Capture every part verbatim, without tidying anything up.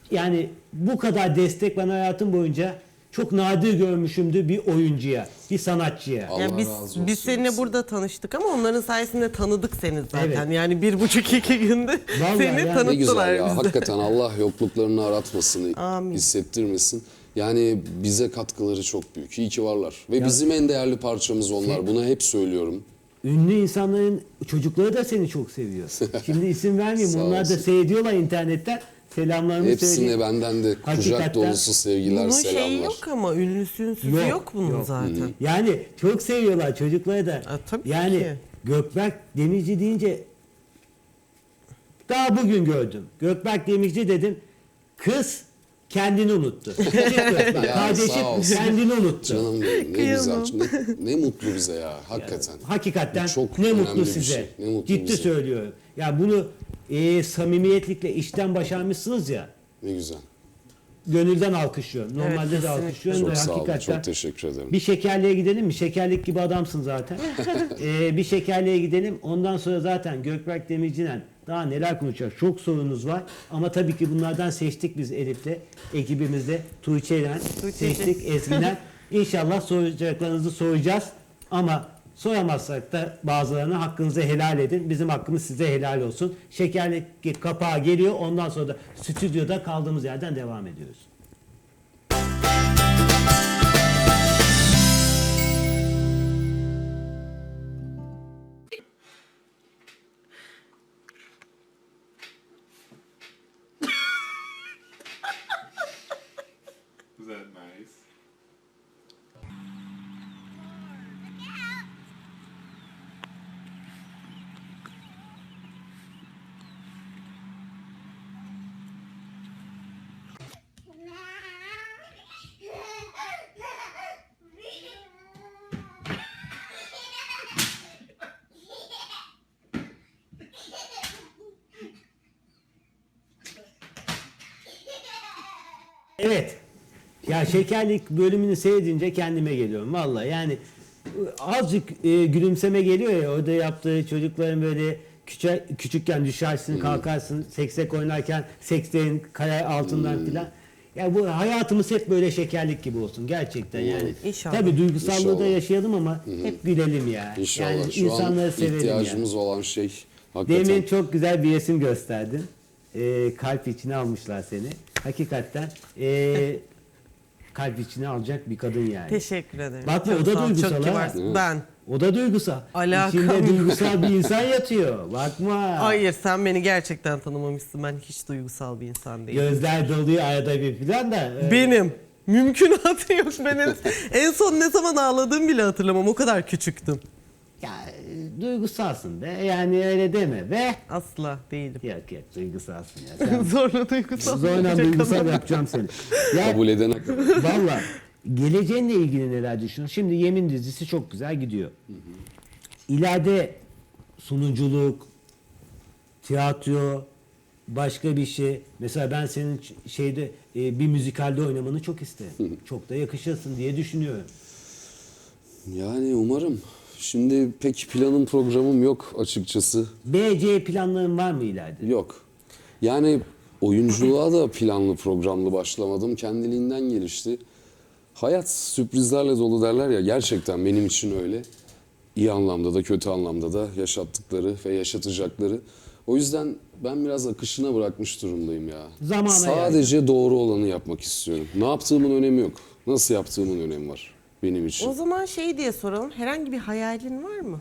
yani bu kadar destek ben hayatım boyunca çok nadir görmüşümdür bir oyuncuya, bir sanatçıya. Allah Yani biz razı olsun. biz seninle burada tanıştık ama onların sayesinde tanıdık seni zaten. Evet. Yani bir buçuk iki günde Vallahi seni ya. tanıttılar Ne güzel ya. bize. Hakikaten Allah yokluklarını aratmasın, Amin. hissettirmesin. Yani bize katkıları çok büyük. İyi ki varlar. Ve bizim en değerli parçamız onlar. Bunu hep söylüyorum. Ünlü insanların çocukları da seni çok seviyor. Şimdi isim vermeyeyim. Sağ Onlar da olsun. seyrediyorlar internetten. Selamlarımı Hepsine söyleyeyim. benden de kucak Hakikaten. dolusu sevgiler, Bunun selamlar. şeyi yok ama ünlüsü ünsüzü yok, Yok, bunun yok. zaten. Yani çok seviyorlar çocukları da. Ha, tabii yani ki. Gökberk Demirci deyince daha bugün gördüm. Gökberk Demirci dedim. Kız kendini unuttu. Gökberk, Ya, kardeşim sağ olsun. kendini unuttu. Canım benim, ne Kıyamam. güzel. Ne, ne mutlu bize ya hakikaten. Hakikaten Bu çok ne önemli mutlu bir size. şey, ne mutlu Ciddi bize. söylüyorum. Ya bunu e, samimiyetlikle işten başarmışsınız ya. Ne güzel. Gönülden alkışlıyorum. Normalde Evet, de kesinlikle. alkışlıyorum da Çok sağ olun. hakikaten. Çok teşekkür ederim. Bir şekerliğe gidelim mi? Şekerlik gibi adamsın zaten. ee, bir şekerliğe gidelim. Ondan sonra zaten Gökberk Demirci'yle daha neler konuşacağız. Çok sorunuz var. Ama tabii ki bunlardan seçtik biz Elif'le. Ekibimizde Tuğçe'yle Tuğçe'yle. seçtik. Ezgi'den. İnşallah soracaklarınızı soracağız. Ama soramazsak da bazılarına hakkınızı helal edin. Bizim hakkımız size helal olsun. Şekerlik kapağı geliyor. Ondan sonra da stüdyoda kaldığımız yerden devam ediyoruz. Is that nice? Evet. Ya şekerlik bölümünü seyredince kendime geliyorum vallahi. Yani azıcık e, gülümseme geliyor ya orada yaptığı çocukların böyle küçük, küçükken düşersin kalkarsın seksek oynarken sekslerin kaya altından filan. Ya bu hayatımız hep böyle şekerlik gibi olsun gerçekten yani. İnşallah. Tabii duygusallığı da İnşallah. yaşayalım ama hep gülelim ya. İnşallah. Yani Şu an insanları sevelim ihtiyacımız ya. olan şey hakikaten. Demin çok güzel bir resim gösterdin. Ee, kalp içine almışlar seni. Hakikaten ee, kalp içine alacak bir kadın yani. Teşekkür ederim. Bakma, Çok o da sağ ol, duygusal çok ha. kibarsın. Ben. O da duygusal. Alakam İçinde yok. duygusal bir insan yatıyor. Bakma. Hayır, sen beni gerçekten tanımamışsın. Ben hiç duygusal bir insan değilim. Gözler doluyor arada bir falan da. e, Benim. Mümkünatı yok. Ben en, en son ne zaman ağladığımı bile hatırlamam. O kadar küçüktüm. Ya e, duygusalsın be. Yani öyle deme be. Asla değilim. Yok yok duygusalsın ya. Sen Zorla duygusal. zorla olacak duygusal ama. yapacağım seni. Ya Kabul edene kadar. valla geleceğinle ilgili neler düşünüyorsun? Şimdi Yemin dizisi çok güzel gidiyor. İleride sunuculuk, tiyatro, başka bir şey. Mesela ben senin ç- şeyde e, bir müzikalde oynamanı çok isterim. Çok da yakışırsın diye düşünüyorum. Yani umarım. Şimdi pek planım programım yok açıkçası. B C planların var mı ileride? Yok. Yani oyunculuğa da planlı programlı başlamadım. Kendiliğinden gelişti. Hayat sürprizlerle dolu derler ya. Gerçekten benim için öyle. İyi anlamda da kötü anlamda da yaşattıkları ve yaşatacakları. O yüzden ben biraz akışına bırakmış durumdayım ya. Zamana Sadece doğru olanı yapmak istiyorum. Ne yaptığımın önemi yok. Nasıl yaptığımın önemi var benim için. O zaman şey diye soralım. Herhangi bir hayalin var mı?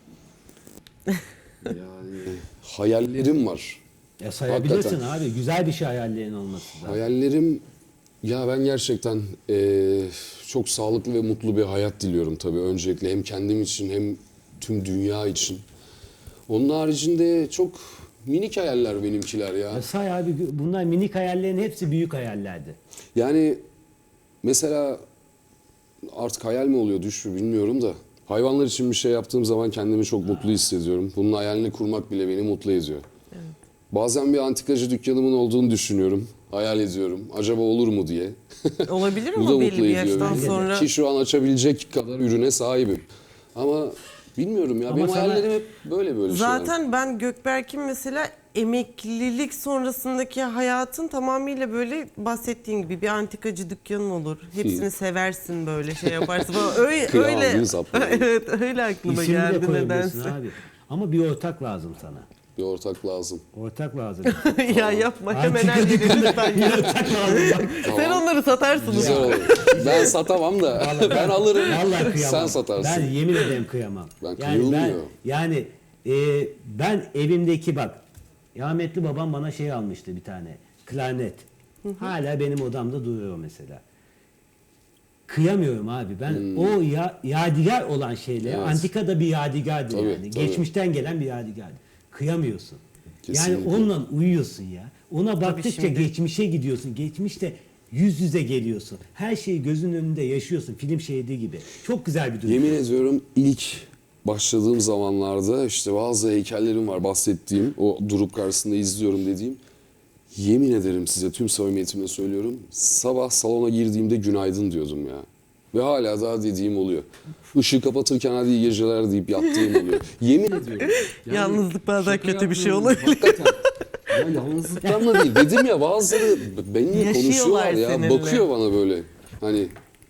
Yani hayallerim var. Ya sayabilirsin Hakikaten. abi. Güzel bir şey hayallerin olması da. Hayallerim, ya ben gerçekten eee, çok sağlıklı ve mutlu bir hayat diliyorum tabii öncelikle. Hem kendim için hem tüm dünya için. Onun haricinde çok minik hayaller benimkiler ya. Ya say abi bunlar minik hayallerin hepsi büyük hayallerdi. Yani mesela artık hayal mi oluyor düş mü bilmiyorum da. Hayvanlar için bir şey yaptığım zaman kendimi çok mutlu hissediyorum. Bunun hayalini kurmak bile beni mutlu ediyor. Bazen bir antikacı dükkanımın olduğunu düşünüyorum. Hayal ediyorum. Acaba olur mu diye. Olabilir Bu da ama belli mutlu bir ediyor yaştan beni. sonra. Ki şu an açabilecek kadar ürüne sahibim. Ama bilmiyorum ya. Ama benim sana- hayallerim hep böyle böyle şeyler. Zaten ben Gökberk'in mesela emeklilik sonrasındaki hayatın tamamıyla böyle bahsettiğin gibi bir antikacı dükkanın olur. Hepsini seversin böyle şey yaparsın falan. Öyle, Kıyamam, öyle, yüz atma. evet öyle aklıma İsim de geldi koyabilirsin nedense. abi. Ama bir ortak lazım sana. Bir ortak lazım. Ortak lazım. Ya yapma hemen Antika her yeri dükkanı lütfen bir ya. ortak lazım. Bak. Sen onları satarsın. Güzel ya. olur. Ben satamam da ben alırım. Vallahi kıyamam. Sen satarsın. Ben yemin ederim kıyamam. Ben yani ben kıyılmıyor. yani e, ben evimdeki bak rahmetli babam bana şey almıştı bir tane klarnet. Hala benim odamda duruyor mesela. Kıyamıyorum abi. Ben o ya, yadigar olan şeyler, Evet. antika da bir yadigardır Tabii, yani. tabii. Geçmişten gelen bir yadigardır. Kıyamıyorsun. Kesinlikle. Yani onunla uyuyorsun ya. Ona baktıkça şimdi- geçmişe gidiyorsun. Geçmişte yüz yüze geliyorsun. Her şeyi gözünün önünde yaşıyorsun. Film şeridi gibi. Çok güzel bir durum. Yemin ediyorum ilk başladığım zamanlarda işte bazı heykellerim var bahsettiğim. O durup karşısında izliyorum dediğim. Yemin ederim size tüm samimiyetimle söylüyorum. Sabah salona girdiğimde günaydın diyordum ya. Ve hala daha dediğim oluyor. Işığı kapatırken hadi iyi geceler deyip yattığım oluyor. Yemin ediyorum. Yani Yalnızlık bazen şaka kötü bir şey yapmıyorum. olabilir. Hakikaten. Ya yalnızlıktan da değil. Dedim ya bazıları benimle Yaşıyorlar konuşuyorlar ya. seninle. Bakıyor bana böyle. Hani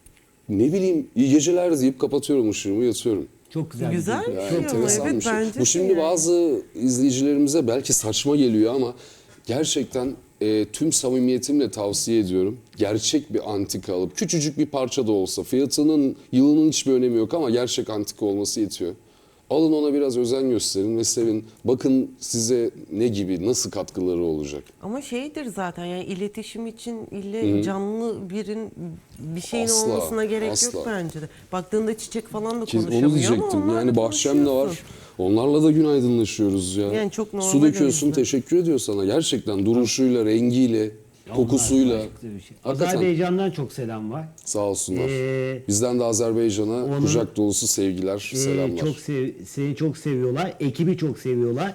ne bileyim iyi geceler deyip kapatıyorum ışığımı yatıyorum. Çok güzel. Güzel bir durum. bir Ya şey ama enteresan evet bir şey. bence Bu şimdi de yani. bazı izleyicilerimize belki saçma geliyor ama gerçekten e, tüm samimiyetimle tavsiye ediyorum. Gerçek bir antika alıp küçücük bir parça da olsa fiyatının yılının hiçbir önemi yok ama gerçek antika olması yetiyor. Alın ona biraz özen gösterin ve sevin. Bakın size ne gibi, nasıl katkıları olacak. Ama şeydir zaten yani iletişim için ille canlı birin bir şeyin Asla, olmasına gerek asla. yok bence de. Baktığında çiçek falan da Ki konuşamıyor onu ama diyecektim. onlarla Yani bahçem de var. konuşuyorsun. Onlarla da günaydınlaşıyoruz ya. Yani çok normal Su döküyorsun, o yüzden. teşekkür ediyor sana. Gerçekten duruşuyla, rengiyle, Ya kokusuyla. onlar başka bir şey. Hakikaten Azerbaycan'dan çok selam var. sağ olsunlar. Ee, Bizden de Azerbaycan'a onun- kucak dolusu sevgiler, Ee, selamlar. çok sev, seni çok seviyorlar. Ekibi çok seviyorlar.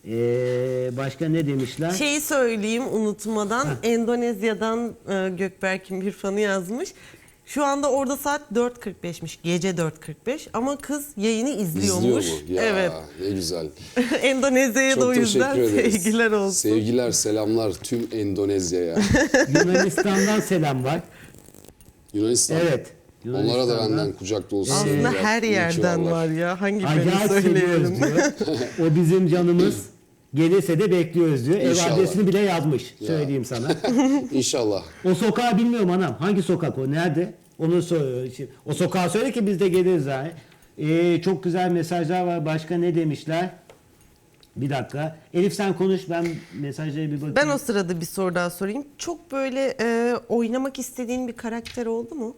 Ee, başka ne demişler? Şeyi söyleyeyim unutmadan Endonezya'dan e, Gökberk'in bir fanı yazmış. Şu anda orada saat dört kırk beşmiş. Gece dört kırk beş ama kız yayını izliyormuş. İzliyor mu? Ya Evet. ne güzel. Endonezya'ya da Çok o yüzden teşekkür ederiz. sevgiler olsun. Sevgiler, selamlar tüm Endonezya'ya. Yunanistan'dan selam var. Yunanistan. Evet. Onlara da Yunanistan'dan. benden kucak dolusu Aslında sevgiler. her İyi ki yerden varlar. var ya. Hangi birini Acayip söyleyelim? seviyoruz diyor. O bizim canımız. Gelirse de bekliyoruz diyor. Ev İnşallah. adresini bile yazmış. Söyleyeyim sana. İnşallah. O sokağı bilmiyorum anam. Hangi sokak o? Nerede? Onu soruyor. Şimdi O sokağı söyle ki biz de geliriz abi. Ee, çok güzel mesajlar var. Başka ne demişler? Bir dakika. Elif sen konuş. Ben mesajlara bir bakayım. Ben o sırada bir soru daha sorayım. Çok böyle e, oynamak istediğin bir karakter oldu mu?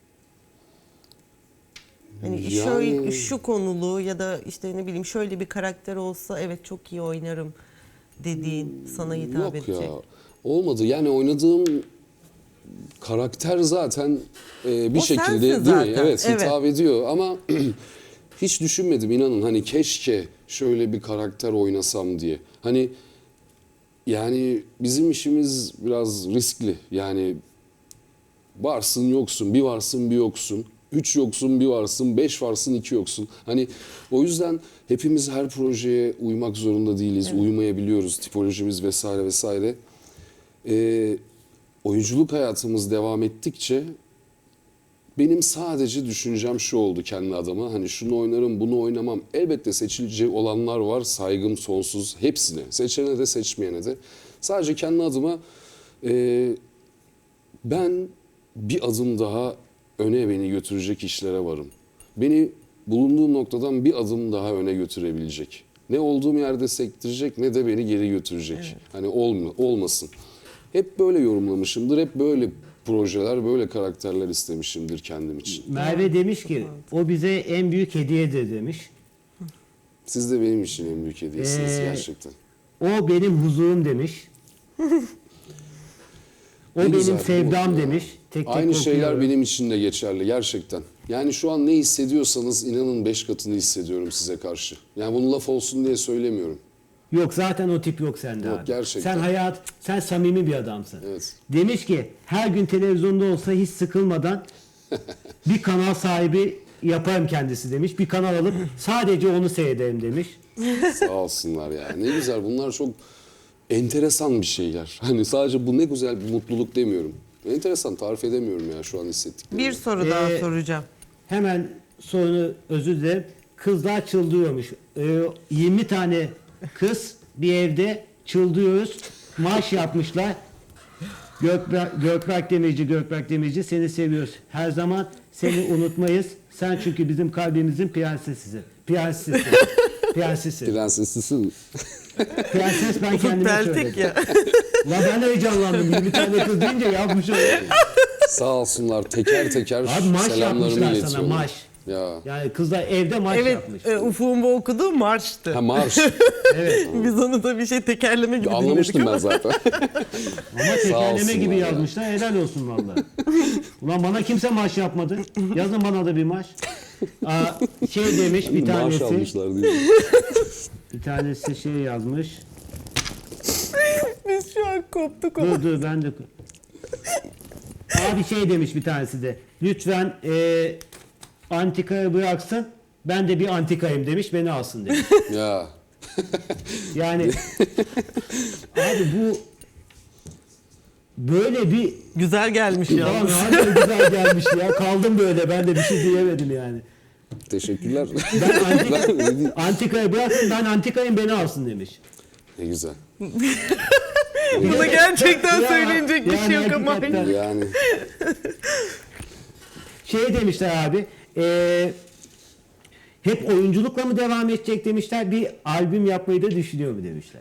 Hani Yani- şöyle şu konulu ya da işte ne bileyim şöyle bir karakter olsa evet çok iyi oynarım dediğin sana hitap Yok edecek. ya. Olmadı. Yani oynadığım karakter zaten e, bir O şekilde sensin değil mi? zaten, Evet, evet. hitap ediyor ama hiç düşünmedim inanın. Hani keşke şöyle bir karakter oynasam diye. Hani yani bizim işimiz biraz riskli. Yani varsın yoksun, bir varsın bir yoksun. Üç yoksun bir varsın, beş varsın iki yoksun. Hani o yüzden hepimiz her projeye uymak zorunda değiliz. Uymayabiliyoruz tipolojimiz vesaire vesaire. Ee, oyunculuk hayatımız devam ettikçe benim sadece düşüncem şu oldu kendi adıma. Hani şunu oynarım, bunu oynamam. Elbette seçilecek olanlar var. Saygım sonsuz hepsine. Seçene de seçmeyene de. Sadece kendi adıma e, ben bir adım daha öne beni götürecek işlere varım. Beni bulunduğum noktadan bir adım daha öne götürebilecek. Ne olduğum yerde sektirecek ne de beni geri götürecek. Hani olma, olmasın. Hep böyle yorumlamışımdır. Hep böyle projeler, böyle karakterler istemişimdir kendim için. Merve demiş ki o bize en büyük hediyedir demiş. Siz de benim için en büyük hediyesiniz Ee, gerçekten. O benim huzurum demiş. O Ne benim güzel, sevdam bu ya. demiş. Tek tek Aynı şeyler okuyorum. benim için de geçerli gerçekten. Yani şu an ne hissediyorsanız inanın beş katını hissediyorum size karşı. Yani bunu laf olsun diye söylemiyorum. Yok zaten o tip yok sende Yok, abi. gerçekten. Sen hayat, sen samimi bir adamsın. Evet. Demiş ki her gün televizyonda olsa hiç sıkılmadan bir kanal sahibi yaparım kendisi demiş. Bir kanal alıp sadece onu seyrederim demiş. Sağ olsunlar ya. Ne güzel bunlar çok enteresan bir şeyler. Hani sadece bu ne güzel bir mutluluk demiyorum. Enteresan, tarif edemiyorum ya şu an hissettiklerimi. Bir soru daha Ee, soracağım. Hemen sorunu özür dilerim. Kızlar çıldırıyormuş. Ee, yirmi tane kız bir evde çıldırıyoruz. Marş yapmışlar. Gökberk, Gökberk Demirci, Gökberk Demirci seni seviyoruz. Her zaman seni unutmayız. Sen çünkü bizim kalbimizin prensesisin. Prensesisin. Prensesi. Prensesisin. Prenses ben Ufuk kendime Peltek söyledim. ya. La ben heyecanlandım. yirmi tane kız deyince yapmış oldum. Sağ olsunlar teker teker Abi maç selamlarımı yapmışlar sana, iletiyorum. maç. Ya. Yani kızlar evde maç Evet, yapmış. e, Ufuk'un bu okuduğu marştı. Ha marş. Evet. Biz onu da bir şey tekerleme gibi dinledik Anlamıştım ama. ben zaten. Ama tekerleme olsunlar gibi ya. yazmışlar. Helal olsun vallahi. Ulan bana kimse maç yapmadı. Yazın bana da bir maç. Aa, şey demiş bir Maaş tanesi. almışlar diye. Bir tanesi şey yazmış. Biz şu an koptuk ama. Dur dur ben de. Abi şey demiş bir tanesi de. Lütfen e, antikayı bıraksın. Ben de bir antikayım demiş. Beni alsın demiş. Ya. Yani abi bu böyle bir Güzel gelmiş Ulan yalnız. harbiden güzel gelmiş ya. Kaldım böyle. Ben de bir şey diyemedim yani. Teşekkürler. Ben antika, antikayı bıraksın ben antikayım beni alsın demiş. Ne güzel. Buna gerçekten Ya, söyleyecek bir yani şey yok ama. hakikaten. Yani Şey demişler abi. E, hep oyunculukla mı devam edecek demişler. Bir albüm yapmayı da düşünüyor mu demişler.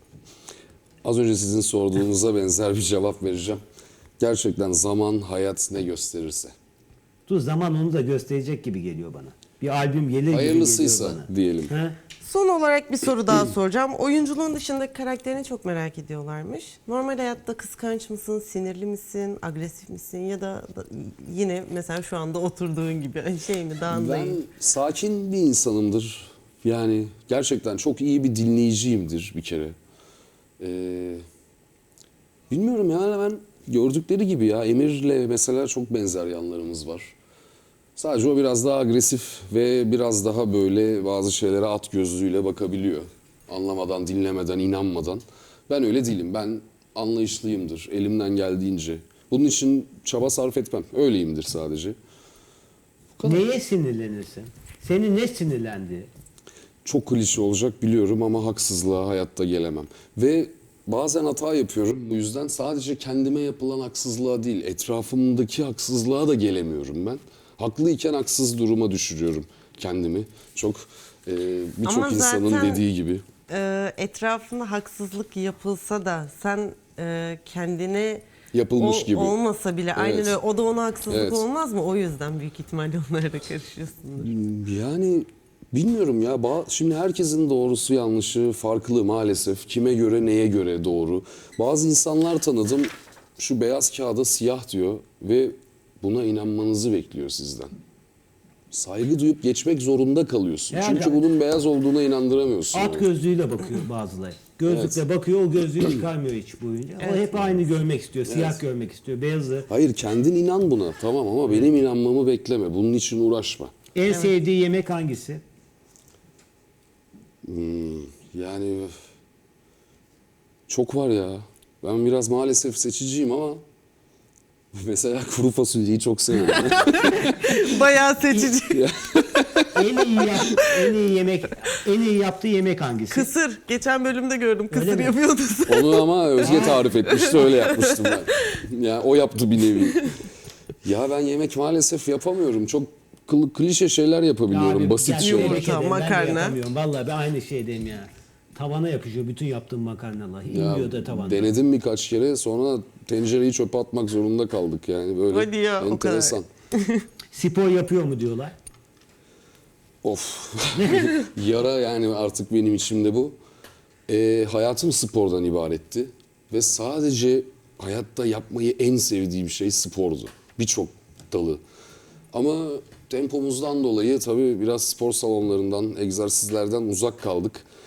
az önce sizin sorduğunuza benzer bir cevap vereceğim. Gerçekten zaman, hayat ne gösterirse. Dur zaman onu da gösterecek gibi geliyor bana. Bir albüm gelir gibi Hayırlısıysa geliyor bana. diyelim. Ha? Son olarak bir soru daha soracağım. Oyunculuğun dışındaki karakterini çok merak ediyorlarmış. Normal hayatta kıskanç mısın, sinirli misin, agresif misin ya da, da yine mesela şu anda oturduğun gibi şey mi, Ben dağındayım. sakin bir insanımdır. Yani gerçekten çok iyi bir dinleyiciyimdir bir kere. Ee, bilmiyorum yani ben gördükleri gibi ya Emir'le mesela çok benzer yanlarımız var. Sadece o biraz daha agresif ve biraz daha böyle bazı şeylere at gözlüğüyle bakabiliyor. Anlamadan, dinlemeden, inanmadan. Ben öyle değilim. Ben anlayışlıyımdır elimden geldiğince. Bunun için çaba sarf etmem. Öyleyimdir sadece. Neye sinirlenirsin? Seni ne sinirlendi? Çok klişe olacak biliyorum ama haksızlığa hayatta gelemem. Ve bazen hata yapıyorum. Bu yüzden sadece kendime yapılan haksızlığa değil, etrafımdaki haksızlığa da gelemiyorum ben. Haklıyken haksız duruma düşürüyorum kendimi. Çok e, birçok Ama insanın zaten- dediği gibi. Ee, etrafına haksızlık yapılsa da sen e, kendine Yapılmış o- gibi. olmasa bile aynen Evet. öyle o da ona haksızlık Evet. olmaz mı? O yüzden büyük ihtimalle onlara da karışıyorsundur. Yani bilmiyorum ya. Ba- Şimdi herkesin doğrusu yanlışı farklı maalesef. Kime göre neye göre doğru. Bazı insanlar tanıdım şu beyaz kağıda siyah diyor ve buna inanmanızı bekliyor sizden. Saygı duyup geçmek zorunda kalıyorsun. Yani- Çünkü bunun beyaz olduğuna inandıramıyorsun. At onu. gözlüğüyle bakıyor bazıları. Gözlükle bakıyor, o gözlüğü çıkarmıyor hiç boyunca. O hep aynı görmek istiyor, siyah Evet. görmek istiyor, beyazı. Hayır kendin inan buna tamam ama benim inanmamı bekleme. Bunun için uğraşma. En sevdiği yemek hangisi? Hmm, yani çok var ya. Ben biraz maalesef seçiciyim ama mesela kuru fasulyeyi çok seviyorum. Bayağı seçici. En iyi yap, en iyi yemek, en iyi yaptığı yemek hangisi? Kısır. Geçen bölümde gördüm. Öyle Kısır mi? yapıyordu sen. Onu ama Özge tarif etmişti öyle yapmıştım ben. Ya o yaptı bir nevi. Ya ben yemek maalesef yapamıyorum. Çok kıl- klişe şeyler yapabiliyorum. Abi, basit gerçi şeyler. Yumurta, tebrik ederim, ben de makarna. yapamıyorum. Vallahi ben aynı şeydeyim ya. Tavana yapışıyor bütün yaptığım makarnalar. Ya, İnmiyor da tavanda. denedim birkaç kere sonra tencereyi çöpe atmak zorunda kaldık yani böyle Hadi ya, o kadar. enteresan. Spor yapıyor mu diyorlar. Of. Yara yani artık benim içimde bu. Ee, hayatım spordan ibaretti. Ve sadece hayatta yapmayı en sevdiğim şey spordu. Birçok dalı. Ama tempomuzdan dolayı tabii biraz spor salonlarından, egzersizlerden uzak kaldık.